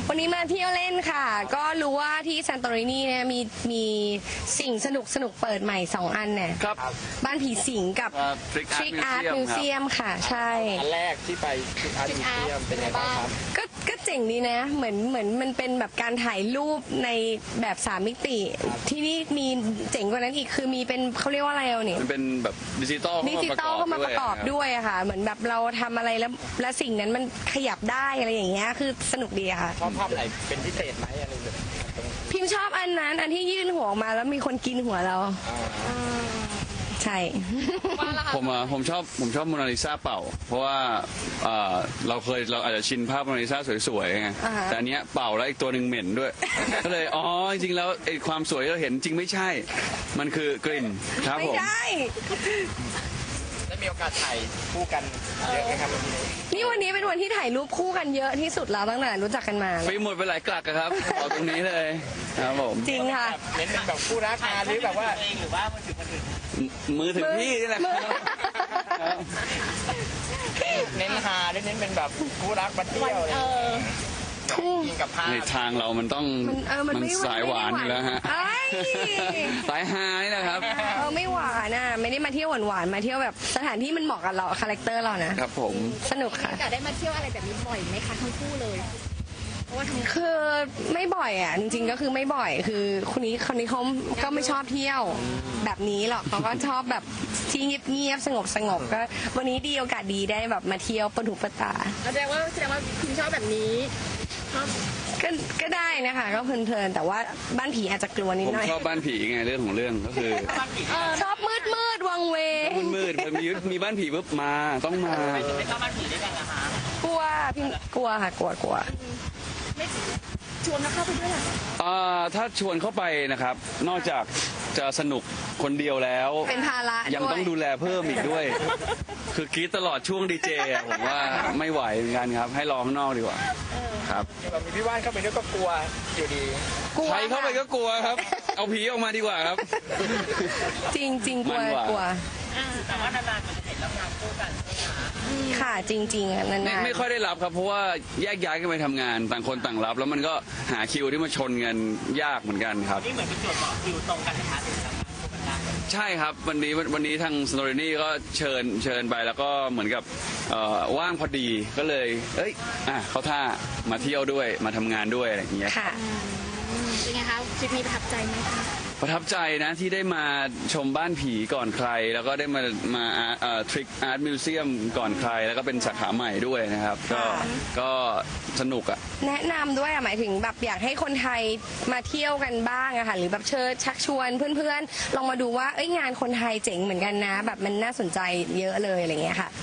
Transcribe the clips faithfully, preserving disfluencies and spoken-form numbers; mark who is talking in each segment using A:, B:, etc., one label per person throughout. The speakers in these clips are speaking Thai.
A: วันนี้มาเที่ยวเล่นค่ะ ก็รู้ว่าที่ซันโตรินีเนี่ยมีมีสิ่งสนุกสนุกเปิดใหม่สองอันเนี่ย
B: ครับ
A: บ้านผีสิงกับ
B: Trick Art
A: Trick Art
B: Museum
A: Museum ค่ะ ใช่
C: อันแรกที่ไปที่อาร์ตมิวเซียมเป็นไงบ้างครับ
A: ก็ก็เจ๋งดีนะ เหมือนเหมือนมันเป็นแบบการถ่ายรูปในแบบสามมิติ ที่นี่มีเจ๋งกว่านั้นอีกคือมีเป็นเขาเรียกว่าอะไรเอาเนี่ย
B: มันเป็นแบบดิจิตอล
A: ดิจิตอลเข้ามาประกอบด้วยอะค่ะ เหมือนแบบเราทำอะไรแล้วและสิ่งนั้นมันขยับได้อะไรอย่างเงี้ยคือสนุกดีอะค่ะ
C: ชอบภาพไหนเป็นพิเศษไหมอะไรแบบนี้
A: พิมพ์ชอบอันนั้น อันที่ยื่นหัวออกมาแล้วมีคนกินหัวเรา ใช่
B: ผมอ่ะผมชอบผมชอบโมนาลิซาเป่า เพราะว่าเอ่อเราเคยเราอาจจะชินภาพโมนาลิซาสวยๆไง
A: อ่าฮะ
B: แต่อันเนี้ยเป่าแล้วอีกตัวหนึ่งเหม็นด้วย ก็เลยอ๋อจริงๆแล้วไอ้ความสวยที่เราเห็นจริงไม่ใช่ มันคือกลิ่นครับ
A: ไม่
B: ผม
A: ได้
C: ได้มีโอกาสถ่ายคู่กันเยอะไหมครับวันนี้
A: นี่วันนี้เป็นวันที่ถ่ายรูปคู่กันเยอะที่สุดแล้วตั้งแต่รู้จักกันมา
B: ฟิล์มหมดไปหลายกลักอะครับเอาตรงนี้เลยครับผม
A: จริงค่ะ
C: แบบเน้นเป็นแบบคู่รักมาหรือแบบว่า
B: มือถือพี่นี่แหละครับ
C: เน้นฮาหรือเน้นเป็นแบบคู่รักมาเที่ยวอะไรอย่างเงี้ยกินกับภาพ
B: ในทางเรามันต้อง
A: มันเออมันไม่
B: สายหวานอยู่แล้วฮะ
A: เอ้ย
B: สายฮานี่แหละครับ
A: เออไม่หวานน่ะไม่ได้มาเที่ยวหวานๆมาเที่ยวแบบสถานที่มันเหมาะกับเราคาแรคเตอร์เรานะครับ
B: ผม
A: สนุกค่ะ
D: จะได้มาเที่ยวอะไรแบบนี้บ่อยไหมคะทั้งคู่เลย เพราะว่าทั้ง
A: คือไม่บ่อยอ่ะจริงๆก็คือไม่บ่อยคือคนนี้คนนี้เขาก็ไม่ชอบเที่ยวแบบนี้หรอกเขาก็ชอบแบบที่เงียบๆสงบสงบๆก็วันนี้ดีโอกาสดีได้แบบมาเที่ยวปะถูปะตา
D: แสดงว่าแสดงว่าคุณชอบแบบนี้ชอบ
A: ก็ก็ได้นะคะก็เพลินๆแต่ว่าบ้านผีอาจจะกลัวนิด
B: ผม
A: หน่อย
B: ชอบบ้านผีไงเรื่องของเรื่องก็คือ
A: ชอบมืดมืดๆวังเวง
B: มืดมืดๆพอมีมีบ้านผีปุ๊บมาต้องมา
A: กลัวพี่กลัวค่ะกลัวกลัว
D: ไม่ชวนมาเข้าไปด้วยเหรอ
B: อ่าถ้าชวนเข้าไปนะครับ นอกจากจะสนุกคนเดียวแล้ว
A: เป็นภาระ
B: ยัง
A: ด้วย
B: ต้องดูแลเพิ่มอีกด้วย คือกรีดตลอดช่วงดีเจอะผมว่าไม่ไหวเหมือนกันครับ ให้รอข้างนอกดีกว่าครับ
C: แบบมีพี่ว่านเข้าไปด้วยก็กลัวอยู่ดี
A: กลัว
B: ใครเข้าไป
A: ค่ะ
B: ก็กลัวครับ เอาผีออกมาดีกว่าครับ
A: จริงจริงๆกลัว
B: มันกว่า
A: กลัว
D: แต่ว่านานๆมันจะเห็นรับงานคู่กัน
A: ค่ะจริงๆอะนา
B: ไม่
A: น
B: ไม่ค่อยได้รับครับ เพราะว่าแยกย้ายกันไปทำงานต่างคนต่างรับ แล้วมันก็หาคิวที่มาชนกันยากเหมือนกันครับ
D: นี่เหมือนเป็นจุดต่อคิวตรงกันนะคะถึงรับงานคู่กันได้
B: ใช่ครับวันนี้วันนี้ทางสโตรนี่ก็เชิญเชิญไปแล้วก็เหมือนกับเอ่อว่างพอดีก็เลย เอ้ยอ่ะเขาท่ามาเที่ยวด้วยมาทำงานด้วยอะไรอย่างเงี้ย
A: ๆค่ะ
D: เป็นไงคะทริปนี้ประทับใจไหมคะ
B: ประทับใจนะที่ได้มาชมบ้านผีก่อนใคร แล้วก็ได้มามาทริกอาร์ตมิวเซียมก่อนใคร แล้วก็เป็นสาขาใหม่ด้วยนะครับ ก็ก็สนุกอ่ะ
A: แนะนำด้วยอะหมายถึงแบบอยากให้คนไทยมาเที่ยวกันบ้างอะค่ะหรือแบบเชิญชักชวนเพื่อนๆ ลองมาดูว่าเอ้ยงานคนไทยเจ๋งเหมือนกันนะ แบบมันน่าสนใจเยอะเลยอะไรเงี้ยค่ะ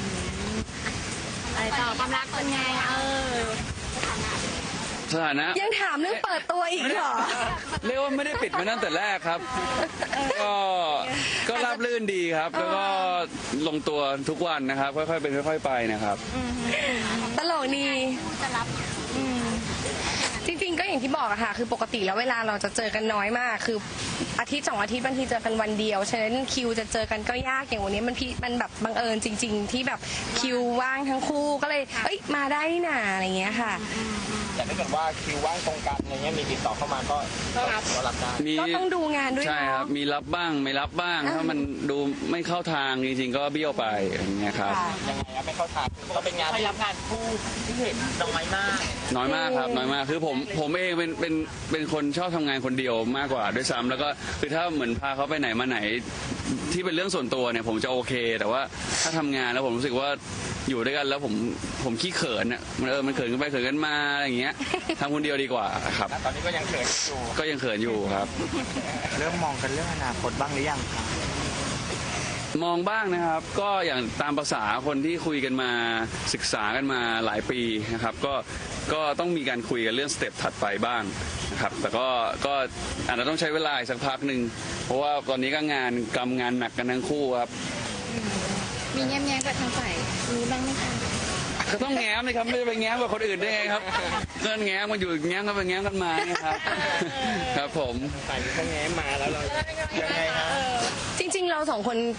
D: อะไรต่อความรักเป็นไงเออ
B: สถานะ
A: ยังถามเรื่องเปิดตัวอีกเหรอ
B: เรียกว่าไม่ได้ปิดมาตั้งแต่แรกครับ ก็ก็ราบรื่นดีครับ แล้วก็ลงตัวทุกวันนะครับ ค่อยๆเป็นค่อย ๆ ไปนะครับ
A: ตลกดี
D: จะรับ
A: จริงๆก็อย่างที่บอกอะค่ะ คือปกติแล้วเวลาเราจะเจอกันน้อยมาก คืออาทิตย์สองอาทิตย์บางทีเจอกันวันเดียว ฉะนั้นคิวจะเจอกันก็ยากอย่างวันนี้มันพี่มันแบบบังเอิญจริง ๆ ที่แบบคิวว่างทั้งคู่ก็เลย เอ้ยมาได้นี่นาอะไรเงี้ยค่ะ
C: แต่ถ้าเกิดว่าคิวว่างตรงกันอะไรเงี้ยมีติดต่อเข้ามาก็ก็รับก็รับได้
B: มี
A: ก็ต้องดูงานด้วย
B: ใช่ครั
A: เนาะ
B: บ มีรับบ้างไม่รับบ้าง ถ้ามันดูไม่เข้าทางจริงๆ ก็เบี้ยวไปอย่างเงี้ยครับ
A: ค่ะ
C: ยังไงครับไม่เข้าทางก็เป็นงานที่รับงานคู่ที่เห็นน้อยมาก
B: น้อยมากครับน้อยมากคือผมผมเองเป็นเป็นเป็นคนชอบทำงานคนเดียวมากกว่าด้วยซ้ำแล้วก็คือถ้าเหมือนพาเขาไปไหนมาไหนที่เป็นเรื่องส่วนตัวเนี่ยผมจะโอเค แต่ว่าถ้าทำงานแล้วผมรู้สึกว่าอยู่ด้วยกันแล้วผมผมขี้เขินอ่ะมันเออมันเขินกันไปเขินกันมาอะไรอย่างเงี้ยทำคนเดียวดีกว่าครับ
C: ตอนนี้ก็ยังเขินอยู่
B: ก็ยังเขินอยู่ครับ
C: เริ่มมองกันเรื่องอนาคตบ้างหรือยังครับ
B: มองบ้างนะครับ ก็อย่างตามภาษาคนที่คุยกันมาศึกษากันมาหลายปีนะครับ ก็ก็ต้องมีการคุยกันเรื่องสเต็ปถัดไปบ้างนะครับ แต่ก็ก็อาจจะต้องใช้เวลาอีกสักพักหนึ่งเพราะว่าตอนนี้ก็งานกำงานหนักกันทั้งคู่ครับ
D: มีแง้มๆกับทางฝ่ายนี้บ้างไหมคะ
B: ก็ต้องแง้มเลยครับไม่จะไปแง้มกับคนอื่นได้ไงครับเงินแง้มกันอยู่แง้มกันไปแง้มกันมาเนี่ยครับ ครับผม
C: ฝ่ายนี้เขาแง้มมาแล้วเรายังไงฮะ
A: จริงๆ เราสองคน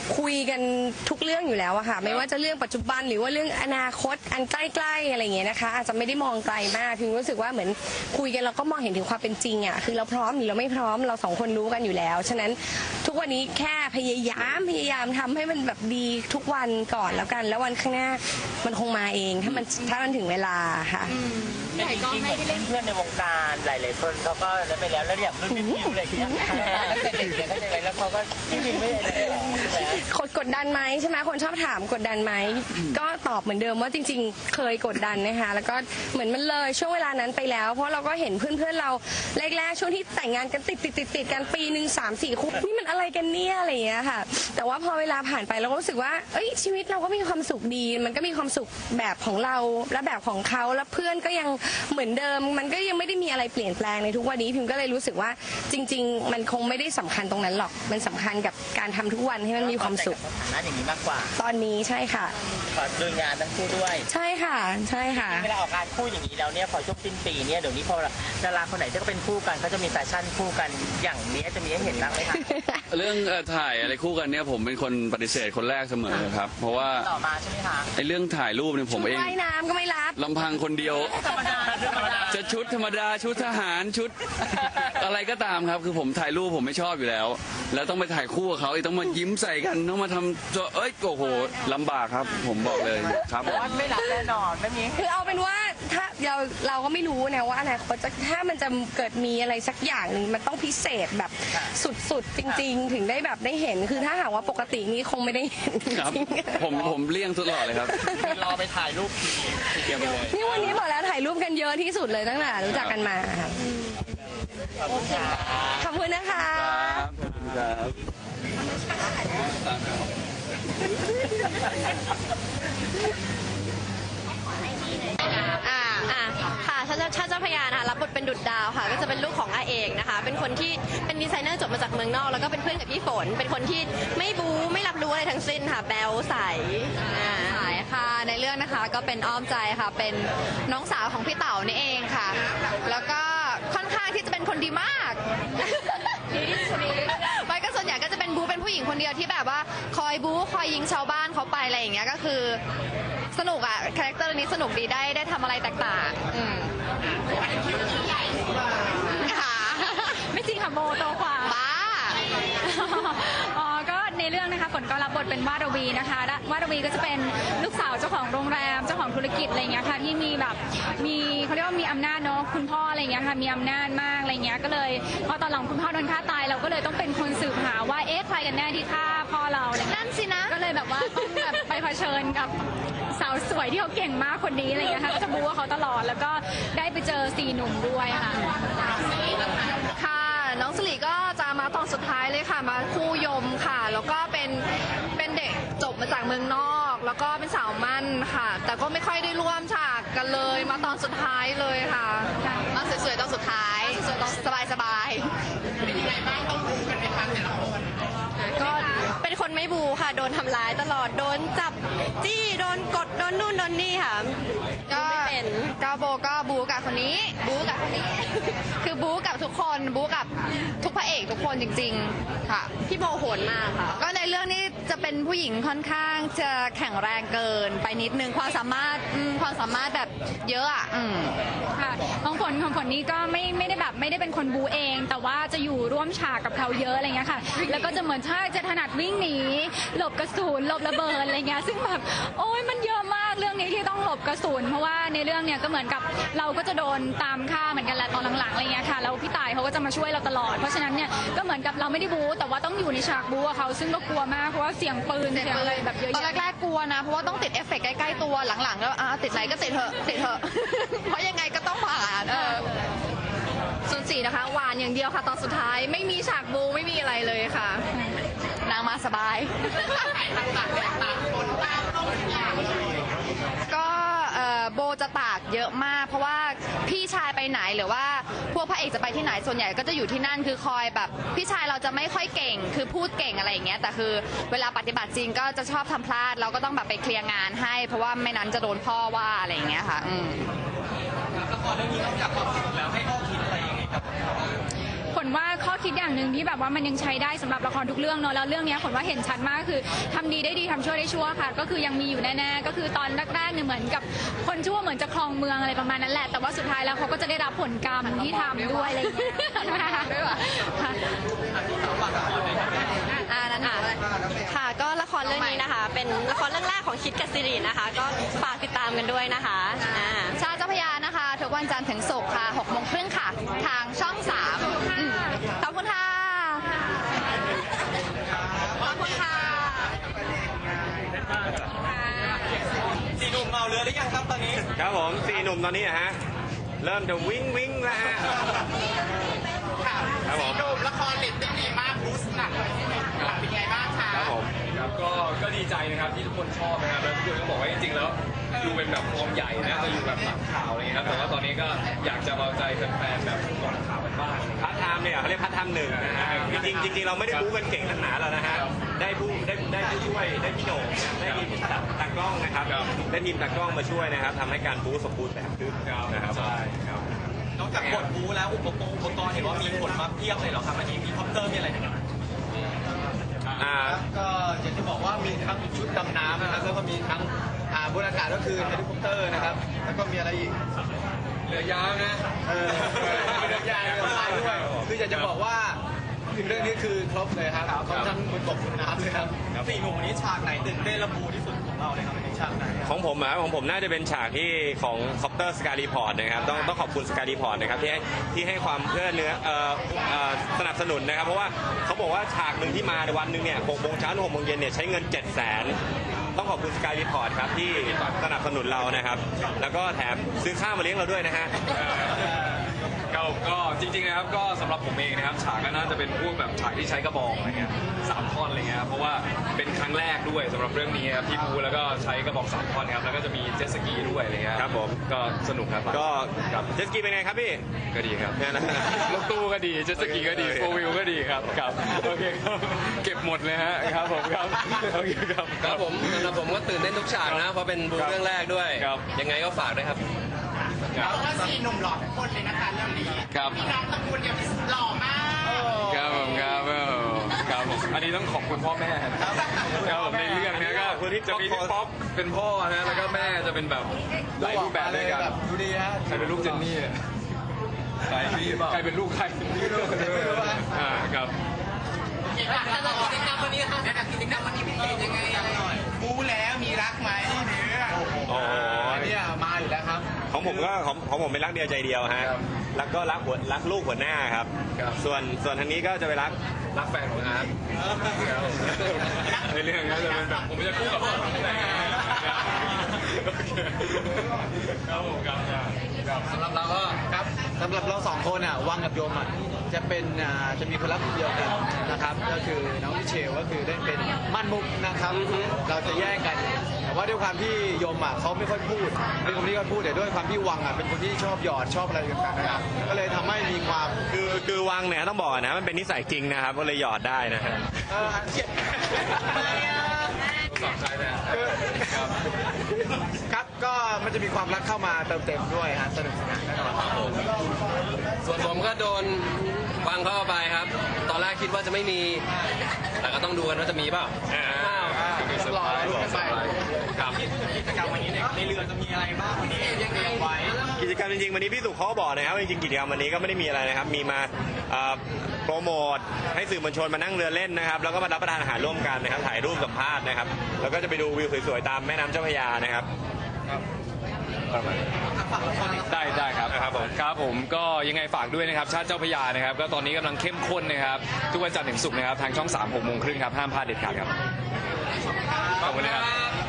A: คุยกันทุกเรื่องอยู่แล้วอะค่ะไม่ว่าจะเรื่องปัจจุบันหรือว่าเรื่องอนาคตอันใกล้ๆอะไรอย่างเงี้ยนะคะอาจจะไม่ได้มองไกลมากพิมรู้สึกว่าเหมือนคุยกันเราก็มองเห็นถึงความเป็นจริงอะคือเราพร้อมหรือเราไม่พร้อมเราสองคนรู้กันอยู่แล้วฉะนั้นทุกวันนี้แค่พยายามพยายามทำให้มันแบบดีทุกวันก่อนแล้วกันแล้ววันข้างหน้ามันคงมาเองถ้ามันถ้ามันถึงเวลาค่ะ
C: แต่จริงๆเหมือนเพื่อนๆในวงการหลายๆคนเขาก็ได้ไปแล้วแล้วอย่างรุ่นพี่อะไรอย่างเงี้ยตั้งแต่เด็กเนี่ยก็จะไปแล้วเขาก็ที่จริงไม่ได้แล้ว
A: กดกดดันไหมใช่ไหมคนชอบถามกดดันไหมก็ตอบเหมือนเดิมว่าจริง ๆ เคยกดดันนะคะแล้วก็เหมือนมันเลยช่วงเวลานั้นไปแล้ว เพราะเราก็เห็นเพื่อนๆเราแรกๆช่วงที่แต่งงานกันติดติดติดติดกันปีหนึ่งสามสี่คู่นี่มันอะไรกันเนี่ยอะไรอย่างเงี้ยค่ะแต่ว่าพอเวลาผ่านไปเราก็รู้สึกว่าเอ้ยชีวิตเราก็มีความสุขดี มันก็มีความสุขแบบของเราและแบบของเขาแล้วเพื่อนก็ยังเหมือนเดิมมันก็ยังไม่ได้มีอะไรเปลี่ยนแปลงในทุกวันนี้พิมก็เลยรู้สึกว่าจริง ๆ มันคงไม่ได้สำคัญตรงนั้นหรอกมันสำคัญกับการทำทุกวันให้มันมีความสุข
C: สถานะอย่างนี้มากกว่า
A: ตอนนี้ใช่ค่ะ
C: ขอดูงานทั้งคู่ด้วย
A: ใช่ค่ะใช่ค่ะ
C: เวลาออกงานคู่อย่างนี้แล้วเนี่ยพอช่วงสิ้นปีเนี่ยเดี๋ยวนี้พอดาราคนไหนที่เขาเป็นคู่กันเขาจะมีแฟชั่นคู่กันอย่างนี้จะมีให้เห็นบ้างไหมคะ
B: เรื่องเอ่อถ่ายอะไรคู่กันเนี่ยผมเป็นคนปฏิเสธคนแรกเสมอครับ เพราะว่า
C: ต่อมาใช่ไหมคะ
B: ไอ้เรื่องถ่ายรูปเนี่ยผมเอง
A: ว่ายน้ำก็ไม่รับ
B: ลำพังคนเดียว
C: ธรรมดาธรรมดา
B: จะชุดธรรมดาชุดทหารชุด อะไรก็ตามครับ คือผมถ่ายรูปผมไม่ชอบอยู่แล้ว แล้วต้องไปถ่ายคู่กับเขาอีกต้องมายิ้มใส่กันต้องมาทำตัวเอ้ยโอ้โหลำบากครับ ผมบอกเลยครับผม
C: ว่าไม่รับแน่นอนไม่มี
A: คือเอาเป็นว่าถ้าเราเราก็ไม่รู้นะว่าอนาคตจะถ้ามันจะเกิดมีอะไรสักอย่างหนึ่งมันต้องพิเศษแบบสุดๆจริง ๆ ถึงได้แบบได้เห็นคือถ้าหากว่าปกตินี้คงไม่ได้เห็นจ
B: ครับ
A: ริง
B: ผมผมเลี่ยงตลอดเลยครับ
C: รอไปถ่ายรูปทีเดียวไปเลย
A: ๆนี่วันนี้บอกแล้วถ่ายรูปกันเยอะที่สุดเลยตั้งแต่รู้จักกันมาค่ะขอบคุณนะคะ
B: ครับ
E: อ่าอ่าค่ะชาชาเจ้าพระยานะคะรับบทเป็นดุจดาวค่ะ ก็จะเป็นลูกของอาเอกนะคะ เป็นคนที่เป็นดีไซเนอร์จบมาจากเมืองนอก แล้วก็เป็นเพื่อนกับพี่ฝน เป็นคนที่ไม่บู๊ไม่รับรู้อะไรทั้งสิ้นค่ะ แบลใสอ่า
F: สายค่ะในเรื่องนะคะก็เป็นอ้อมใจค่ะเป็นน้องสาวของพี่เต๋านี่เองค่ะ แล้วก็ค่อนข้างที่จะเป็นคนดีมากไปก็ส่วนใหญ่ก็จะเป็นบูเป็นผู้หญิงคนเดียวที่แบบว่าคอยบูคอยยิงชาวบ้านเขาไปอะไรอย่างเงี้ยก็คือสนุกอะคาแรคเตอร์นี้สนุกดีได้ได้ทำอะไรแตกต่างๆอืมค่ะ
D: ไม่จริงค่ะโมโตกว่า
F: บ้า
D: อ๋อก็ในเรื่องนะคะฝนก็รับบทเป็นวาดวีนะคะและวาดวีก็จะเป็นลูกสาวเจ้าของโรงแรมเจ้าของธุรกิจอะไรเงี้ยค่ะที่มีแบบมีเขาเรียกว่ามีอำนาจเนาะคุณพ่ออะไรเงี้ยค่ะมีอำนาจมากอะไรเงี้ยก็เลยพอตอนหลังคุณพ่อโดนฆ่าตายเราก็เลยต้องเป็นคนสืบหาว่าเอ๊ะใครกันแน่ที่ฆ่าพ่อเราอะไรเงี้ย
F: นั่นสินะ
D: ก็เลยแบบว่าต้องแบบไปเผชิญกับสาวสวยที่เขาเก่งมากคนนี้อะไรเงี้ยค่ะก็จะบูว่าเขาตลอดแล้วก็ได้ไปเจอสี่หนุ่มด้วยค่ะ
F: ค่ะน้องสลีก็จะมาตอนสุดท้ายเลยค่ะมาคู่ยมค่ะ แล้วก็เป็นเป็นเด็กจบมาจากเมืองนอก แล้วก็เป็นสาวมั่นค่ะ แต่ก็ไม่ค่อยได้ร่วมฉากกันเลย มาตอนสุดท้ายเลยค่ะมาสวยๆตอนสุดท้ายสบายสบายๆเป็นยังไงบ้างต้องบูกันไหมคะแต่ละคนก็เป็นคนไม่บูค่ะ โดนทำร้ายตลอดโดนจับจี้โดนกดโดนนู่นโดนนี่ค่ะ ก็เป็นกาโบก็บูกับคนนี้ บูกับคนนี้ คือบูกับทุกคนบูกับทุกพระเอกทุกคนจริงๆค่ะพี่โบโหดมากค่ะ ก็ในเรื่องนี้จะเป็นผู้หญิงค่อนข้างจะแข็งแรงเกินไปนิดนึงความสามารถอืมความสามารถแบบเยอะอ่ะอืม
D: ค่ะของผลของผลนี้ก็ไม่ไม่ได้แบบไม่ได้เป็นคนบูเอง แต่ว่าจะอยู่ร่วมฉากกับเขาเยอะอะไรเงี้ยค่ะ แล้วก็จะเหมือนใช่จะถนัดวิ่งหนีหลบกระสุนหลบระเบิดอะไรเงี้ยซึ่งแบบโอ้ยมันเยอะมากเรื่องนี้ที่ต้องหลบกระสุนเพราะว่าในเรื่องเนี่ยก็เหมือนกับเราก็จะโดนตามฆ่าเหมือนกันแหละตอนหลังๆอะไรเงี้ยค่ะแล้วพี่ต่ายเขาก็จะมาช่วยเราตลอดเพราะฉะนั้นเนี่ยก็เหมือนกับเราไม่ได้บูแต่ว่าต้องอยู่ในฉากบูกับเขาซึ่งก็กลัวมากเพราะว่าเสียงปืนเสียงอะไรแบบเยอะ
F: ตอน
D: แยะ
F: แรกๆกลัวนะ เพราะว่าต้องติดเอฟเฟกต์ใกล้ๆตัวหลังๆแล้วอ่ะติดไหนก็ติดเถอะติดเถอะ เพราะยังไงก็ต้องผ่านเออส่วนสี่นะคะหวานอย่างเดียวค่ะตอนสุดท้ายไม่มีฉากบูไม่มีอะไรเลยค่ะ นางมาสบาย ก็เอ่อโบจะตากเยอะมาก เพราะว่าพี่ชายไปไหนหรือว่าพวกพระเอกจะไปที่ไหนส่วนใหญ่ก็จะอยู่ที่นั่นคือคอยแบบพี่ชายเราจะไม่ค่อยเก่ง คือพูดเก่งอะไรอย่างเงี้ยแต่คือเวลาปฏิบัติจริงก็จะชอบทำพลาดเราก็ต้องแบบไปเคลียร์งานให้ เพราะว่าไม่นั้นจะโดนพ่อว่าอะไรอย่างเงี้ยค่ะอืม
D: ผลว่าข้อคิดอย่างหนึ่งที่แบบว่ามันยังใช้ได้สำหรับละครทุกเรื่องเนอะแล้วเรื่องเนี้ยผลว่าเห็นชัดมากคือทำดีได้ดีทำชั่วได้ชั่วค่ะ ก็คือยังมีอยู่แน่ๆก็คือตอนแรกๆเนี่ยเหมือนกับคนชั่วเหมือนจะครองเมืองอะไรประมาณนั้นแหละแต่ว่าสุดท้ายแล้วเขาก็จะได้รับผลกรรมที่ทำด้วยอะไรอย่างเงี้ยค่ะ
E: อ่านั่นค่ะค่ะก็ละครเรื่องนี้นะคะ เป็นละครเรื่องแรกของคิดกับซิรินะคะ ก็ฝากติดตามกันด้วยนะคะอ่า
F: ชาเจ้าพระยานะคะทุกวันจันทร์ถึงศุกร์ค่ะหกโมงครึ่งค่ะ ทางช่องสามอืมขอบคุณค่ะ ขอบคุณค่ะ
G: สี่หนุ่มเมาเรือหรือยังครับตอนนี้
H: ครับผมสี่หนุ่มตอนนี้อะฮะเริ่มจะวิ่งวิ่งแล้วฮะครับผม
G: หนุ่มละครเรตติ้งดีมากบูสต์หนักเลยที่หนึ่งเป็นไงบ้างคะ
H: ครับผม
I: ครับก็ก็ดีใจนะครับที่ทุกคนชอบนะครับแล้วทุกคนก็บอกว่าจริงๆแล้วดูเป็นแบบฟอร์มใหญ่นะจะอยู่แบบหลังข่าวอะไรเงี้ยครับแต่ว่าตอนนี้ก็อยากจะเอาใจแฟนๆแบบก่อนข่าวกันบ้าง
H: พาร์ทไทม์เนี่ยเขาเรียกพาร์ทไทม์หนึ่งนะฮะจริงๆจริงๆเราไม่ได้บู๊กันเก่งขนาดนั้นแล้วนะฮะได้ผู้ได้ได้ผู้ช่วยได้พี่โหน่งได้ทีมตากล้องนะครับได้ทีมตากล้องมาช่วยนะครับทำให้การบู๊สมบูรณ์แบบขึ้นนะครับ
I: ใช่ครับ
G: นอกจากบทบูแล้วอุปกรณ์อุปกรณ์เห็นว่ามีผลมาเพียบเลยเหรอครับอันนี้มีคอปเตอร์มีอะไรเนี่ย
H: อ่า
J: ก็อยากจะบอกว่ามีทั้งชุดดำน้ำนะครับแล้วก็มีทั้งอ่าบนอากาศก็คือเฮลิคอปเตอร์นะครับแล้วก็มีอะไรอีก
I: เรือยาวนะ
J: เออเรือยางเรือพายด้วยคืออยากจะบอกว่าเรื่องนี้คือครบเลยครับเขาทั้งบนบกบนน้ำเลยครับ
G: สี่หนุ่มวันนี้ฉากไหนตื่นเต้นและบูที่สุดของเราเลยครับในฉากไหน
H: ของผมอะของผมน่าจะเป็นฉากที่ของคอปเตอร์สกายรีพอร์ตนะครับต้องต้องขอบคุณสกายรีพอร์ตนะครับที่ให้ที่ให้ความเพื่อเนื้อเอ่อเอ่อสนับสนุนนะครับเพราะว่าเขาบอกว่าฉากหนึ่งที่มาในวันหนึ่งเนี่ยหกโมงเช้าถึงหกโมงเย็นเนี่ยใช้เงินเจ็ดแสนต้องขอบคุณสกายรีพอร์ตครับที่สนับสนุนเรานะครับแล้วก็แถมซื้อข้าวมาเลี้ยงเราด้วยนะฮะ
I: ก็ก็จริงๆนะครับก็สำหรับผมเองนะครับฉากก็น่าจะเป็นพวกแบบฉากที่ใช้กระบองอะไรเงี้ยสามท่อนอะไรเงี้ยครับเพราะว่าเป็นครั้งแรกด้วยสำหรับเรื่องนี้ครับที่บูแล้วก็ใช้กระบองสามท่อนครับแล้วก็จะมีเจ็ตสกีด้วยอะไรเงี้ย
H: ครับผม
I: ก็สนุกครับ
H: ก็
I: ครับ
H: เจตสกีเป็นไงครับพี่
I: ก็ดีครับ
H: เนี่ยนะ
I: รถตู้ก็ดีเจ็ตสกีก็ดี
H: โอเค
I: โฟวิวก็ดีครับครับโอเคครับเก็บหมดเลยฮะครับผมครับโอเคครับ
K: ครับผมสำหรับผมก็ตื่นเต้นทุกฉากนะเพราะเป็นบูเรื่องแรกด้วย
I: ครับ
K: ยังไงก็ฝากด้วยครับ
G: เพราะว่าสี่หนุ่มหล่อทุกคนเลยนะคะเรื่องนี้
I: ครับ
G: พี่น้องตระกูลเนี่ยหล่อมาก
I: ครับผมครับเออครับผมอันนี้ต้องขอบคุณพ่อแม่นะครับครับผมในเรื่องเนี้ยก็
H: ขอบคุณที่
I: จะมีพี่ป๊อกเป็นพ่อนะแล้วก็แม่จะเป็นแบบหลายรูปแบบด้วยกัน
J: ดูดีฮะ
I: ใครเป็นลูกเจนนี่อะใครใครเป็นลูกใครไม่รู้อ่าครับ
G: สำหรับกิจกรรมวันนี้ค่ะสำหรับกิจกรรมวันนี้พิเศษยังไงอะไรหน่อยบูแล้วมีรักไหมเนื้อ
H: โอ้โห
J: เนี่ยมาอยู่แล้วครับ
H: ของผมก็ของของผมเป็นรักเดียวใจเดียวฮะแล้วก็รักหัวรักลูกหัวหน้าครับ ส่วนส่วนทางนี้ก็จะไปรัก
I: รักแฟนของอาร์ตในเรื่องก็จะเป็นแบบผมจะคู่กับพ่ออะไรอย่างเงี้ยครับผมครับครับ
J: สำหรับเราก็ครับสำหรับเราสองคนอ่ะวังกับโยมอ่ะจะเป็นอ่าจะมีคนรักคนเดียวกันนะครับ ก็คือน้องมิเชลก็คือได้เป็นมั่นมุกนะครับ เราจะแย่งกัน แต่ว่าด้วยความที่โยมอ่ะเขาไม่ค่อยพูดเป็นคนที่ค่อยพูดแต่ด้วยความที่วังอ่ะเป็นคนที่ชอบหยอดชอบอะไรต่างๆนะครับก็เลยทำให้มีความ
H: คือคือวังเนี่ยต้องบอกนะมันเป็นนิสัยจริงนะครับก็เลยหยอดได้นะฮะ
J: เอ่อเจ็บ
I: สองใจเลย
J: ครับก็มันจะมีความรักเข้ามาเติมเต็มด้วยฮะสนุกสนานแน่นอน
K: ส่วนผมก็โดนฟังเข้าไปครับ ตอนแรกคิดว่าจะไม่มี แต่ก็ต้องดูกันว่าจะมีเปล่า
J: รอลุ้นกันไป
I: ครับ
G: กิจกรรมวันนี้เนี่ยในเรือจะมีอะไรบ้างวันนี้ยังเตรียมไว้
H: กิจกรรมจริงๆวันนี้พี่สุเขาก็บอกนะครับว่าจริงๆกิจกรรมวันนี้ก็ไม่ได้มีอะไรนะครับมีมาเอ่อโปรโมทให้สื่อมวลชนมานั่งเรือเล่นนะครับแล้วก็มารับประทานอาหารร่วมกันนะครับถ่ายรูปสัมภาษณ์นะครับแล้วก็จะไปดูวิวสวยๆตามแม่น้ำเจ้าพระยานะครับ
I: ได้ได้ครับครับผมครับผมก็ยังไงฝากด้วยนะครับชาติเจ้าพระยานะครับก็ตอนนี้กำลังเข้มข้นนะครับทุกวันจันทร์ถึงศุกร์นะครับทางช่องสามหกโมงครึ่งครับห้ามพลาดเด็ดขาดครับขอบคุณนะครับ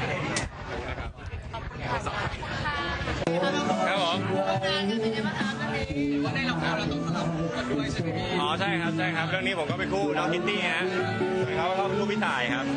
I: ครับผม
H: อ๋อใช่ครับใช่ครับเรื่องนี้ผมก็เป็นคู่น้องคิตตี้ฮะเขาเขาเป็นคู่พี่ต่ายครับ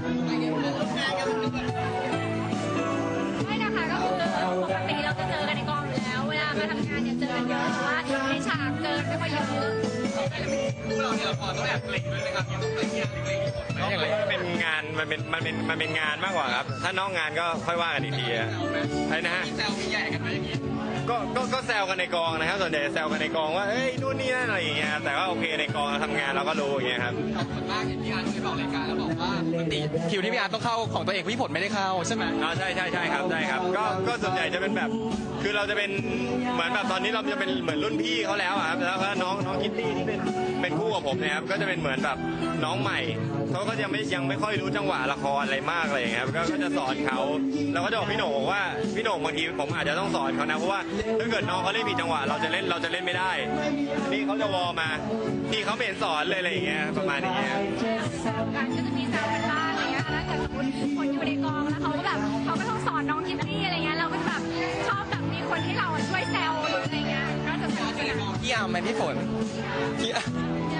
D: ไม่นะคะก็คือปกติเราจะเจอกันในกองอยู่แล้ว เวลามาทำงานเนี่ยเจอกันเยอะแต่ว่าในฉากเจอไม่ค่อยเยอะ
G: คู่เราเนี่ยพอต้องแอบเกรงด้วยนะครับยังต้องเกรงยังเกรงอยู่
H: มันเป็นงานมันเป็นมันเป็นมันเป็นงานมากกว่าครับถ้านอกงานก็ค่อยว่ากันอีกทีอะใช่นะฮะ
G: แซวมีแย่กันไหมอย่างนี้
H: ก็ก็ก็แซวกันในกองนะครับส่วนใหญ่แซวกันในกองว่าเอ้ยนู่นนี่นั่นอะไรอย่างเงี้ยแต่ว่าโอเคในกองเราทำงานเราก็รู้อย่างเงี้ยครับ
K: ส่วนมากเห็นพี่อาร์ตเคยบอกรายการแล้วบอกว่าปกติคิวที่พี่อาร์ตต้องเข้าของตัวเองพี่ฝนไม่ได้เข้าใช่ไหม
H: อ๋อใช่ใช่ใช่ครับใช่ครับก็ก็ส่วนใหญ่จะเป็นแบบคือเราจะเป็นเหมือนแบบตอนนี้เราจะเป็นเหมือนรุ่นพี่เขาแล้วอะครับแล้วก็น้องน้องคิตตี้ที่เป็นเป็นคู่กับผมเนะครับก็จะเป็นเหมือนแบบน้องใหม่เขาก็ยังไม่ยังไม่ค่อยรู้จังหวะละครอะไรมากอะไรอย่างเงี้ยครับก็ก็จะสอนเขาเราก็จะบอกพี่โหน่งว่าพี่โหน่งบางทีผมอาจจะต้องสอนเขานะเพราะว่าถ้าเกิดน้องเขาเล่นผิดจังหวะเราจะเล่นเราจะเล่นไม่ได้นี่เขาจะวอลมาพี่เขาไม่เห็นสอนเลยอะไรอย่างเงี้ยประมาณนี้
D: การก็จะมีแซวกันบ้างอะไรเงี้ยถ้าเกิดสมมติคนอยู่ในกองแล้วเขาก็แบบเขาก็ต้องสอนน้องคิตตี้อะไรเงี้ยเราก็จะแบบชอบแบบมีคนที่เราช่วยแซวหรืออะไรเงี้ยก็จะแซวกัน
K: พี่อาร์มไหมพี่ฝนพี่อาร์ม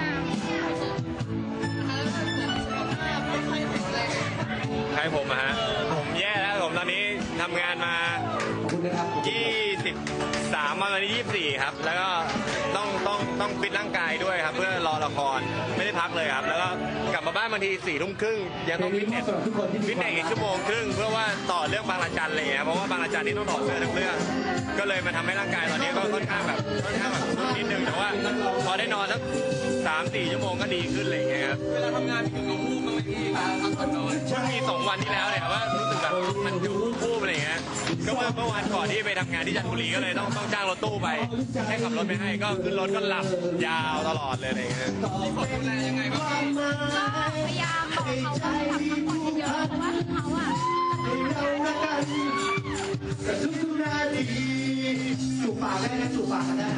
H: ใครผมอะฮะผมแย่แล้วผมตอนนี้ทำงานมายี่สิบสามวันวันนี้ยี่สิบสี่ครับแล้วก็ต้องต้องต้องฟิตร่างกายด้วยครับเพื่อรอละครไม่ได้พักเลยครับแล้วก็กลับมาบ้านบางทีสี่ทุ่มครึ่งยังต้องฟิตเนสฟิตเนสอีกชั่วโมงครึ่งเพื่อว่าต่อเรื่องบางระจันเลยครับเพราะว่าบางระจันนี่ต้องถอดเสื้อทั้งเรื่องก็เลยมาทำให้ร่างกายตอนนี้ก็ค่อนข้างแบบค่อนข้างแบบสุดนิดนึงแต่ว่าพอได้นอนสักสามสี่ชั่วโมงก็ดีขึ้นอะไรอย่างเงี้ยครับเวลาทำงานมีถึงลงรูปบ้างไหมพี่พักผ่อนน้อยช่วงมีสองวันที่แล้วเนี่ยว่ารู้สึกแบบมันอยู่รูปอะไรอย่างเงี้ยก็เมื่อเมื่อวันก่อนที่ไปทำงานที่จันทบุรีก็เลยต้องต้องจ้างรถตู้ไปให้ขับรถไปให้ก็ขึ้นรถก็หลับยาวตลอดเลยอะไรอย่างเงี้ยพี่ฝนดูแลยังไงบ้าง
D: ก็พยายามบอกเขาว่าแบบพักผ่อนเยอะๆเพราะว่าเขาอ่ะ
L: จูบปากได้นะจูบปากได้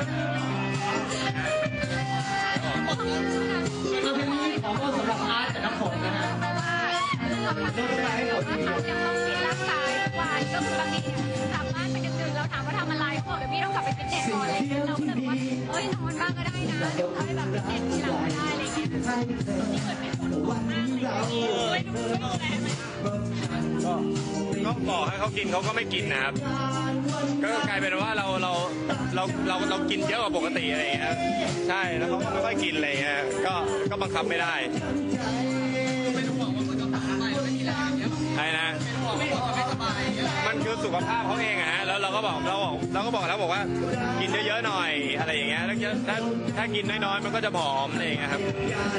L: คือเพลงนี้ขอโทษสำหรับอาร์ตกับน้ำฝนนะฮะเราจะไปให้ฝนดี
D: ยังต้องฟิตร่างกายทุกวันก็คือบางทีกลับบ้านไปดึกๆเราถามว่าทำอะไรเขาบอกเดี๋ยวพี่ต้องกลับไปฟิตเนสก่อนอะไรเงี้ยเราก็เลยบอกว่าเอ้ยนอนบ้างก็ได้นะเดี๋ยวค่อยแบบฟิตเนสทีหลังก็ได้อะไรเงี้ยนี่เกิดเป็นคนห่วงมากเลยช่วยดูช่วยดูแลไหม
H: ก็บอกให้เขากินเขาก็ไม่กินนะครับก็กลายเป็นว่าเราเราเราเราเรากินเยอะกว่าปกติอะไรอย่างเงี้ยใช่แล้วเขาไม่ค่อยกินอะไรอย่างเงี้ยก็ก็บังคับไม่ได้ใช่นะมันคือสุขภาพเขาเองอะฮะแล้วเราก็บอกเราบอกเราก็บอกแล้วบอกว่ากินเยอะๆหน่อยอะไรอย่างเงี้ยแล้วถ้าถ้ากินน้อยๆมันก็จะผอมอะไรอย่างเงี้ยครับ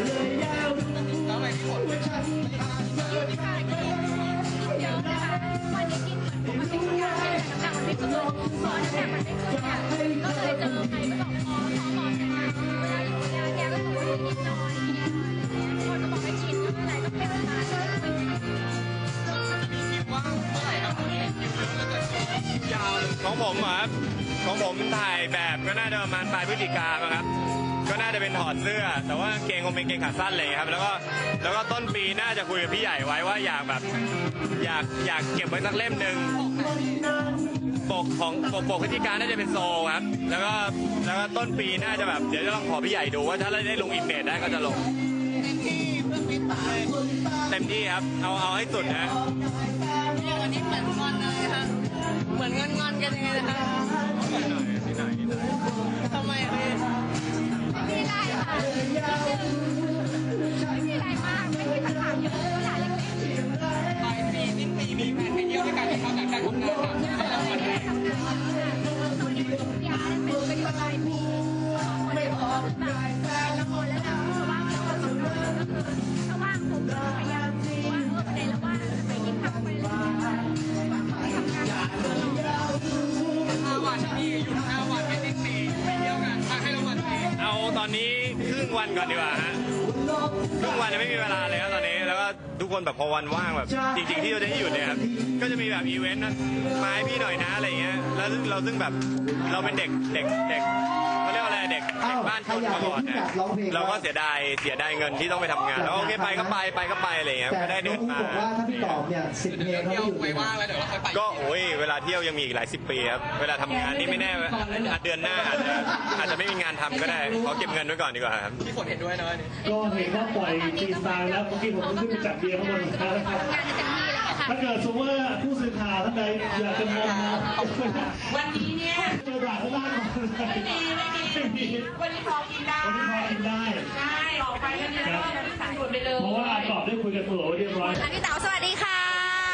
D: เยอะนะคะวันนี้กินเหมือนปกติทุกอย่างเลยน้ำหนักมันไม่ขึ้นพอน้ำหนักมันไม่ขึ้นเนี่ยก็เลยเจอใครก็บอกพอพอพอกันมาเวลาอยู่ยาแกก็บอกว่ากินน้อยคนก็บอกให้กินก็อะไรก็เป็นมาเลย
H: ของผมครับของผมถ่ายแบบก็น่าจะประมาณปลายพฤศจิกาครับก็น่าจะเป็นถอดเสื้อแต่ว่าเกงคงเป็นเกงขาสั้นเลยครับแล้วก็แล้วก็ต้นปีน่าจะคุยกับพี่ใหญ่ไว้ว่าอยากแบบอยากอยากเก็บไว้สักเล่มหนึ่งปกของปกปกพฤศจิกาน่าจะเป็นโซครับแล้วก็แล้วก็ต้นปีน่าจะแบบเดี๋ยวจะลองขอพี่ใหญ่ดูว่าถ้าได้ลงอินเมจได้ก็จะลงเต็มที่ครับเอาเอาให้สุดนะ
F: วันนี้เหมือนงอนเลยค่ะเหมือนงอนงอนกันยังไงนะคะ
H: นิดหน่อยนิดหน่อยนิดหน่อย
F: ทำไมพี่
D: ไม่มีอะไรค่ะไม่มีอะไรมากไม่มีปัญหาเยอะเท่าไหร่เล็กๆ
K: ปลายปีสิ้นปีมีแผนไปเที่ยวด้วยกันที่เขาจากการทำงานต่างจังหวัดแล้ววันนี้
D: ทำงานตอนนี้ยาเป็นไปอยู่ปลายปีคนเดียวแบบละครแล้วนะว่างแล้วก็ต้องก็คือถ้าว่างผมก็พยายามว่าเออประเด็นแล้วว่าไปกินข้าวไปอะไรอย่างเงี้ยไปทำงาน
K: ห้าวันพี่หยุดห้าวันไม่สิ้นปีไปเที่ยวกันให้รางวัลพี่
H: เอาตอนนี้ครึ่งวันก่อนดีกว่าฮะครึ่งวันยังไม่มีเวลาเลยครับตอนนี้แล้วก็ทุกคนแบบพอวันว่างแบบจริงๆที่เราจะให้หยุดเนี่ยครับก็จะมีแบบอีเวนต์นะมาให้พี่หน่อยนะอะไรเงี้ยแล้วซึ่งเราซึ่งแบบเราเป็นเด็กเด็กเด็กเขาเรียกว่าอะไรเด็กเด็กบ้านชนมาก่อนเนี่ยเราก็เสียดายเสียดายเงินที่ต้องไปทำงานแล้วโอเคไปก็ไปไปก็ไปอะไรเงี้ยก็ได้เดินมา
L: บอกว่าถ้าพี่ตอบเนี่ยสิบเพลงเขาอยู่
K: ไปว่างแล้วเดี๋ยวเราค่อยไป
H: ก็โอ้ยเวลาเที่ยวยังมีอีกหลายสิบปีครับเวลาทำงานนี่ไม่แน่เดือนหน้าอาจจะอาจจะไม่มีงานทำก็ได้ขอเก็บเงินไว้ก่อนดีกว่าครับ
K: พี่ฝนเห็นด้วยนะนี่
L: ก็เห็นว่าปล่อยฟรีสไตล์แล้วเมื่อกี้ผมขึ้นไปจับเบียร์ข้างบนแล้วครับถ้าเกิดสมมติว่าผู้สื่อข่าวท่านใดอยากจะมอง
F: วันนี้เนี่ย
L: เจอด่าข้างล่าง
F: ไม่มีไม่มีวันนี้พอกินได้
L: วันนี้พอกินได้
F: ใช่ออกไปกันเนี่ยสายหมดไปเลย
L: เพราะว่าตอบได้คุยกันตัวเรียบร้อย
E: พี่เต๋าสวัสดีค่ะ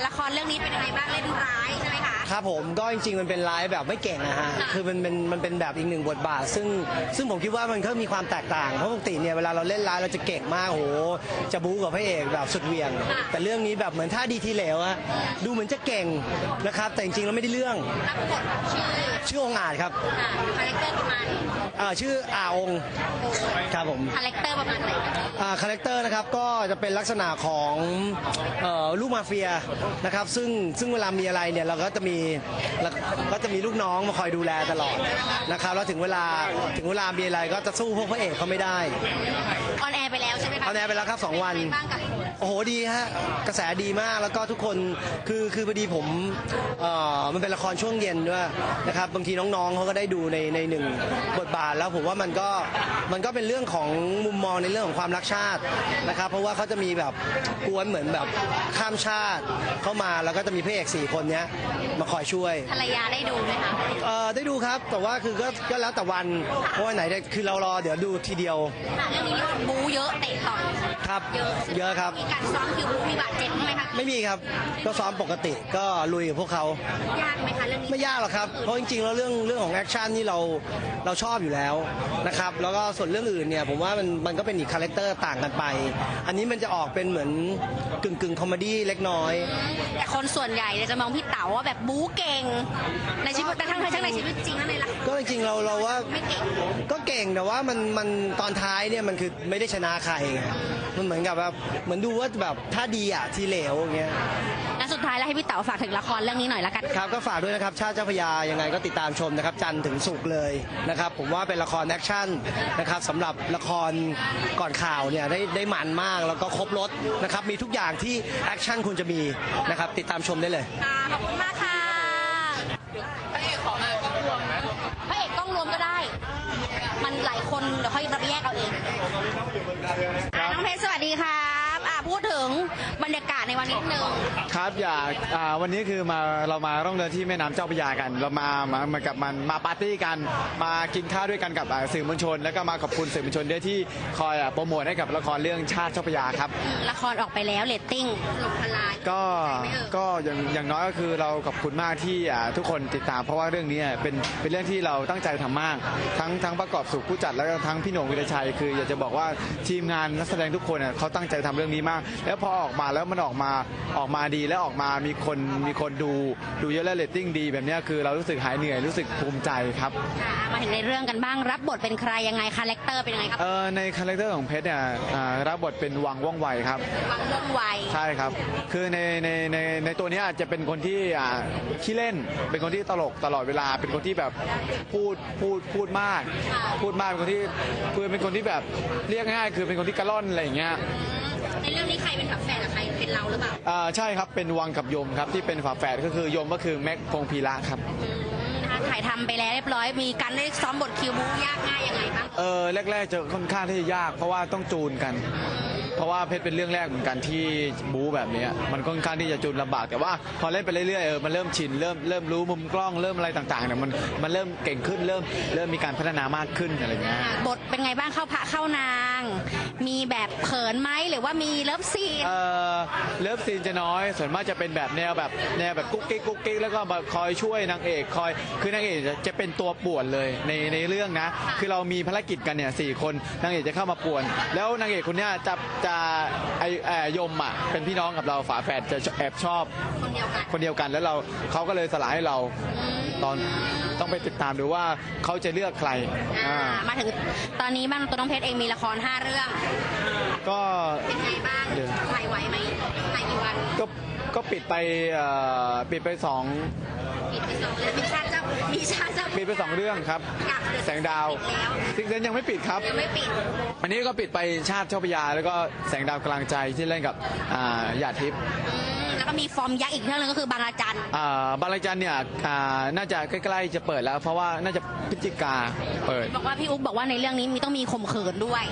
M: ละครเรื่องนี้เป็นยังไงบ้างเล่นร้ายใช่ไหมคะ
N: ครับผมก็จริงๆมันเป็นไลฟ์แบบไม่เก่งนะฮะคือมันเป็นมันเป็นแบบอีกหนึ่งบทบาท ซึ่งซึ่งผมคิดว่ามันก็มีความแตกต่างเพราะปกติเนี่ยเวลาเราเล่นไลฟ์เราจะเก่งมากโหจะบู๊กับพระเอกแบบสุดเหวี่ยง แต่เรื่องนี้แบบเหมือนท่าดีทีเหลวอะดูเหมือนจะเก่งนะครับแต่จริงๆแล้วไม่ได้เรื่อง
M: รับบทชื่อ
N: ชื่อองค์อาจครับ
M: คาแรคเตอร์ประมาณ
N: อ่าชื่ออาองค์ครับผม
M: คาแรคเตอร์ประมาณไหน
N: อ่าคาแรคเตอร์นะครับก็จะเป็นลักษณะของเอ่อลูกมาเฟียนะครับซึ่งซึ่งเวลามีอะไรเนี่ยเราก็จะมีแล้วก็จะมีลูกน้องมาคอยดูแลตลอดนะครับแล้วถึงเวลาถึงเวลามีอะไรก็จะสู้พวกพระเอกเขาไม่ได้
M: ออนแอร์ไปแล้วใช่ไหมคะ
N: ออนแอร์ไปแล้วครับสองวัน
M: เป็นไงบ้างกับ
N: โอ้โหดีฮะกระแสดีมากแล้วก็ทุกคนคือคือพอดีผมเอ่อมันเป็นละครช่วงเย็นด้วยนะครับบางทีน้องๆเขาก็ได้ดูในในหนึ่งบทบาทแล้วผมว่ามันก็มันก็เป็นเรื่องของมุมมองในเรื่องของความรักชาตินะครับเพราะว่าเขาจะมีแบบกวนเหมือนแบบข้ามชาติเข้ามาแล้วก็จะมีพระเอกสี่คนเนี้ยมาคอยช่วย
M: ภรรยาได้ดูไหมคะ
N: เอ่อได้ดูครับแต่ว่าคือก็ก็แล้วแต่วันเพราะว่าไหนได้คือเรารอเดี๋ยวดูทีเดียว
M: ค่ะเรื่องนี้บู๊เยอะเตะต่อย
N: ครับ
M: เยอะ
N: เยอะครับ
M: มีการซ้อมคิวบู๊มีบาดเจ็บบ้างไหมคะ
N: ไม่มีครับก็ซ้อมปกติก็ลุยกับพวกเขา
M: ยากไหมคะเรื่องนี้
N: ไม่ยากหรอกครับ เพราะจริงๆ แล้วเรื่องเรื่องของแอคชั่นนี่เราเราชอบอยู่แล้วนะครับ แล้วก็ส่วนเรื่องอื่นเนี่ยผมว่ามันมันก็เป็นอีกคาแรคเตอร์ต่างกันไป อันนี้มันจะออกเป็นเหมือนกึ่งกึ่งคอมเมดี้เล็กน้อย
M: แต่คนส่วนใหญ่เนี่ยจะมองพี่เต๋าว่าแบบบู๊เก่งในชีวิตแต่ทั้งทั้งในชีวิตจริงและในละคร
N: ก็จริงๆ เราเราว่า
M: ไม่เก่ง
N: ก็เก่งแต่ว่ามันมันตอนท้ายเนี่ยมันคือไม่ได้ชนะใครไงมันเหมือนกับแบบเหมือนดูว่าแบบถ้าดีอ่ะทีเหลวอย่างเงี้ย
M: และสุดท้ายแล้วให้พี่เต๋าฝากถึงละครเรื่องนี้หน่อยละกัน
N: ครับก็ฝากด้วยนะครับชาติเจ้าพระยายังไงก็ติดตามชมนะครับจันทร์ถึงศุกร์เลยนะครับผมว่าเป็นละครแอคชั่นนะครับสำหรับละครก่อนข่าวเนี่ยได้ได้มันมากแล้วก็ครบรถนะครับมีทุกอย่างที่แอคชั่นคุณจะมีนะครับติดตามชมได้เลย
M: ค่ะขอบคุณมากค่ะพระเอกของนายกล้องรวมพระเอกกล้องรวมก็ได้ มันหลายคนเดี๋ยวค่อยรับแยกเอาเองอ่ะน้องเพชรสวัสดีครับอ่ะพูดถึงบรรยากาศในวันนี้นิดนึง
J: ครับอยากอ่าวันนี้คือมาเรามาร่องเรือที่แม่น้ำเจ้าพระยากัน เรามามามากับมันมาปาร์ตี้กันมากินข้าวด้วยกันกับอ่าสื่อมวลชน แล้วก็มาขอบคุณสื่อมวลชนด้วยที่คอยอ่าโปรโมทให้กับละครเรื่องชาติเจ้าพระยาครับ
M: ละครออกไปแล้วเรตติ้งถล่มทลาย
J: ก็ก็อย่างอย่างน้อยก็คือเราขอบคุณมากที่อ่าทุกคนติดตามเพราะว่าเรื่องนี้เป็นเป็นเรื่องที่เราตั้งใจทำมาก ทั้งทั้งประกอบสุขผู้จัดแล้วก็ทั้งพี่โหน่งวิรชัยคืออยากจะบอกว่าทีมงานนักแสดงทุกคนอ่ะเขาตั้งใจทำเรื่องนี้มาก แล้วพอออกมาแล้วมันออกมาออกมาดีแล้วออกมามีคนมีคนดูดูเยอะและเรตติ้งดีแบบนี้คือเรารู้สึกหายเหนื่อยรู้สึกภูมิใจครับ
M: อ่ะมาถึงในเรื่องกันบ้างรับบทเป็นใครยังไงคาแรคเตอร์เป็นยังไงครับ
J: เออในคาแรคเตอร์ของเพชรเนี่ยอ่ารับบทเป็นวังว่องไวครับ
M: วังว่องไว
J: ใช่ครับ คือในในในในตัวเนี้ยอาจจะเป็นคนที่อ่าขี้เล่น เป็นคนที่ตลกตลอดเวลา เป็นคนที่แบบพูดพูดพูดมาก พูดมาก เป็นคนที่คือเป็นคนที่แบบเรียกง่ายๆคือเป็นคนที่กระล่อนอะไรอย่างเงี้ย
M: ในเรื่องนี้ใครเป็นฝาแฝดกับใครเป็นเราหรือเปล่า
J: อ่าใช่ครับ เป็นวังกับยมครับที่เป็นฝาแฝดก็คือยมก็คือแม็กพงพีระครับ
M: นะคะถ่ายทำไปแล้วเรียบร้อยมีการได้ซ้อมบทคิวบูยากง่ายยังไงบ้าง
J: เออแรกๆจะค่อนข้างที่จะยาก เพราะว่าต้องจูนกัน เพราะว่าเพชรเป็นเรื่องแรกเหมือนกันที่บู๊แบบเนี้ยมันค่อนข้างที่จะจูนลำบากแต่ว่าพอเล่นไปเรื่อยๆเออมันเริ่มชินเริ่มเริ่มรู้มุมกล้องเริ่มอะไรต่างๆเนี่ยมันมันเริ่มเก่งขึ้นเริ่มเริ่มมีการพัฒนามากขึ้นอะไรเงี้ย
M: บทเป็นไงบ้างเข้าพระเข้านาง มีแบบเขินไหมหรือว่ามีเลิฟซีน
J: เออเลิฟซีนจะน้อยส่วนมากจะเป็นแบบแนวแบบแนวแบบกุ๊กกิ๊กกุ๊กกิ๊กแล้วก็มาคอยช่วยนางเอกคอยคือนางเอกจะจะเป็นตัวป่วนเลยในในเรื่องนะคือเรามีภารกิจกันเนี่ยสี่คนนางเอกจะเข้ามาป่วน แล้วนางเอกคนเนี้ยจะจะไอแอยมอ่ะเป็นพี่น้องกับเราฝาแฝดจะแอบชอบ
M: คนเดียวกัน
J: คนเดียวกันแล้วเราเขาก็เลยสลายให้เราตอนต้องไปติดตามดูว่าเขาจะเลือกใคร
M: อ่า
J: อ่า
M: มาถึงตอนนี้บ้างตัวน้องเพชรเองมีละครห้าเรื่อง
J: ก็
M: เป็นไงบ้าง
J: เดี๋ยว
M: ถ่ายไหวไหมถ่ายกี่วัน
J: ก็ก็ปิดไปเอ่อปิดไปสอง
M: ปิดไปสองเรื่องมีชาติเจ้ามีชาติเจ้า
J: ปิดไปสองเรื่องครับ
M: กับ
J: แสงดาวซิกเซนยังไม่ปิดครับ
M: ยังไม่ปิด
J: อันนี้ก็ปิดไปชาติเจ้าพระยาแล้วก็แสงดาวกลางใจที่เล่นกับอ่าหยาดทิพย์
M: อืมแล้วก็มีฟอร์มยักษ์อีกเรื่องหนึงก็คือบางระจัน
J: อ่าบางระจันเนี่ยอ่าน่าจะใกล้ๆจะเปิดแล้ว เพราะว่าน่าจะพฤศจิกาเปิด
M: บอกว่าพี่อุ๊บบอกว่าในเรื่องนี้มีต้องมีข่มขืนด้วย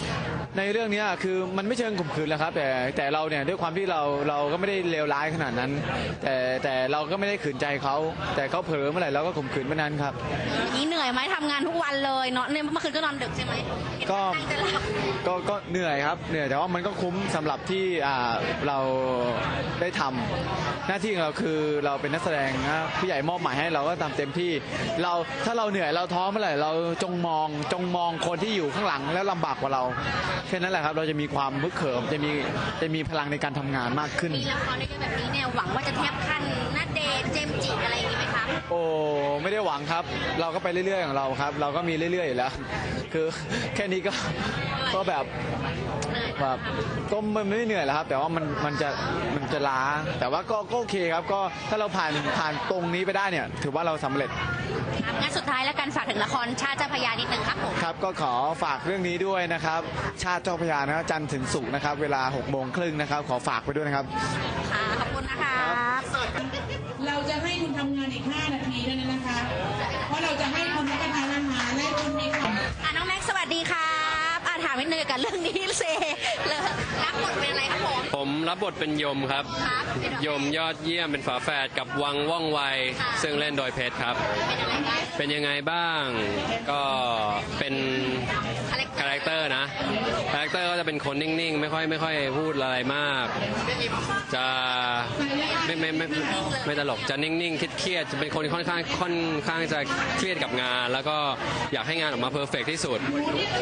J: ในเรื่องเนี้ยคือมันไม่เชิงข่มขืนแหละครับแต่แต่เราเนี่ยด้วยความที่เราเราก็ไม่ได้เลวร้ายขนาดนั้น แต่แต่เราก็ไม่ได้ขืนใจเขาแต่เขาเผลอเมื่อไหร่เราก็ข่มขืนเมื่อนั้นครับ
M: นี่เหนื่อยไหมทำงานทุกวันเลยเนาะเนี่ยเมื่อคืนก็นอนดึกใช่ไหม
J: ก็
M: ตั้งใจหลับ
J: ก็ก็เหนื่อยครับเหนื่อยแต่ว่ามันก็คุ้มสำหรับที่อ่าเราได้ทำหน้าที่ของเราคือเราเป็นนักแสดงนะผู้ใหญ่มอบหมายให้เราก็ทำเต็มที่เราถ้าเราเหนื่อยเราท้อเมื่อไหร่เราจงมองจงมองคนที่อยู่ข้างหลังแล้วลำบากกว่าเราแค่นั้นแหละครับเราจะมีความฮึกเหิมจะมีจะมีพลังในการทำงานมากขึ้น
M: มีละครด้วยกันแบบนี้เนี่ยหวังว่าจะเทียบขั้นณเดชน์เจมส์จิอะไรอย่างนี้ไหมคะ
J: โอ้ไม่ได้หวังครับ เราก็ไปเรื่อยๆของเราครับ เราก็มีเรื่อยๆอยู่แล้ว คือแค่นี้ก็ก็แบบแบบก็มันไม่เหนื่อยแล้วครับ แต่ว่ามันมันจะมันจะล้า แต่ว่าก็ก็โอเคครับก็ถ้าเราผ่านผ่านตรงนี้ไปได้เนี่ย ถือว่าเราสำเร็จ
M: ครับงั้นสุดท้ายแล้วกันฝากถึงละครชาติเจ้าพระยานิดนึงครับผม
J: ครับก็ขอฝากเรื่องนี้ด้วยนะครับ ชาติเจ้าพระยานะครับจันทร์ถึงศุกร์นะครับ เวลาหกโมงครึ่งนะครับ ขอฝากไปด้วยนะครับ
M: ค่ะขอบคุณนะคะ
O: เราจะให้คุณทำงานอีก ห้า นาทีเท่านั้นนะคะ เพราะเราจะให้คุณรับประทานอาหารและคุณมีความ
M: อ่ะน้องแม็กซ์สวัสดีครับอ่ะถามนิดนึงเกี่ยวกับเรื่องนี้เซเลยรับบทเป็นอะไรครับผม
K: ผมรับบทเป็นยมครับ
M: ครับ
K: ยมยอดเยี่ยมเป็นฝาแฝดกับวังว่องไว ซึ่งเล่นโดยเพชรครับ เป็นยังไงบ้าง ก็เป็นคาแรคเตอร์นะ คาแรคเตอร์ก็จะเป็นคนนิ่งๆ ไม่ค่อยไม่ค่อยพูดอะไรมาก จะไม่ไม่ไม่ไม่ไม่ตลก จะนิ่งๆ เครียดๆ จะเป็นคนค่อนข้างค่อนข้างจะเครียดกับงาน แล้วก็อยากให้งานออกมาเพอร์เฟกที่สุด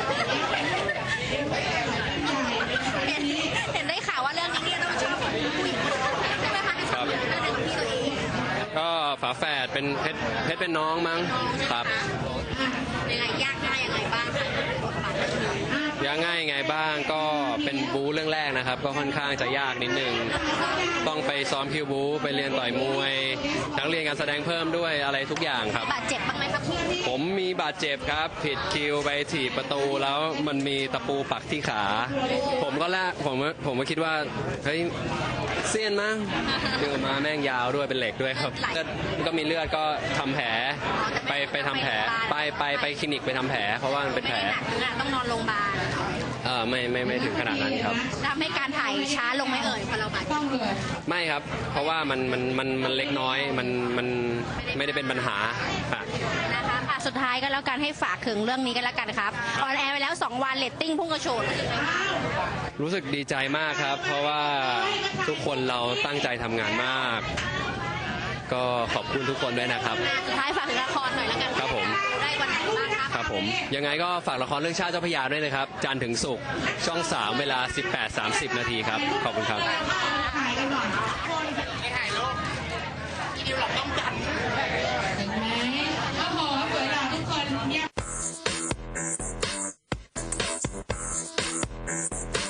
M: เห็นเห็นได้ข่าวว่าเรื่องนี้เนี่ยต้องชอบผู้หญิงใช่ไหมคะ
K: ครับ
M: เรื่องของพี่ตัวเอง
K: ก็ฝาแฝดเป็นเพชรเพชรเป็นน้องมั้งครับ
M: ยังไงยากง่ายยังไงบ้างคะบทบาทนี้
K: ยากง่ายยังไงบ้างก็เป็นบู๊เรื่องแรกนะครับ ก็ค่อนข้างจะยากนิดนึงต้องไปซ้อมคิวบู๊ไปเรียนต่อยมวยทั้งเรียนการแสดงเพิ่มด้วยอะไรทุกอย่างครับ
M: บาดเจ็บบ้างไหมครับพี่
K: ผมมีบาดเจ็บครับ ผิดคิวไปถีบประตูแล้วมันมีตะปูปักที่ขา ผมก็แรกผมผมก็คิดว่าเฮ้ยเสี้ยนมั้งดึงออกมาแม่งยาวด้วยเป็นเหล็กด้วยครับเลือดก็มีเลือดก็ทำแผลไปไปทำแผลไปไปไปคลินิกไปทำแผลเพราะว่ามันเป็นแผล
M: ต้องนอนโรงพยาบาล
K: เออไม่ไม่ไม่ถึงขนาดนั้นครับ
M: ทำให้การถ่ายช้าลงไหมเอ่ยพอเราบาดเจ็บ
K: ไม่ครับ เพราะว่ามันมันมันมันเล็กน้อยมันมันไม่ได้เป็นปัญหาค่ะ
M: นะคะอ่ะสุดท้ายก็แล้วกันให้ฝากถึงเรื่องนี้กันแล้วกันครับออนแอร์ไปแล้วสองวันเรตติ้งพุ่งกระโฉด
K: รู้สึกดีใจมากครับ เพราะว่าทุกคนเราตั้งใจทำงานมาก ก็ขอบคุณทุกคนด้วยนะครับ
M: สุดท้ายฝากถึงละครหน่อยแล้วกัน
K: ครับผม
M: ได้วันไหนบ้างครับ
K: ครับผมยังไงก็ฝากละครเรื่องชาติเจ้าพระยาด้วยนะครับ จันทร์ถึงศุกร์ช่องสามเวลา สิบแปดสามสิบ นาทีครับ ขอบคุณครับ
G: ไม่ถ่ายรูปอีดิวหลับต้องกัน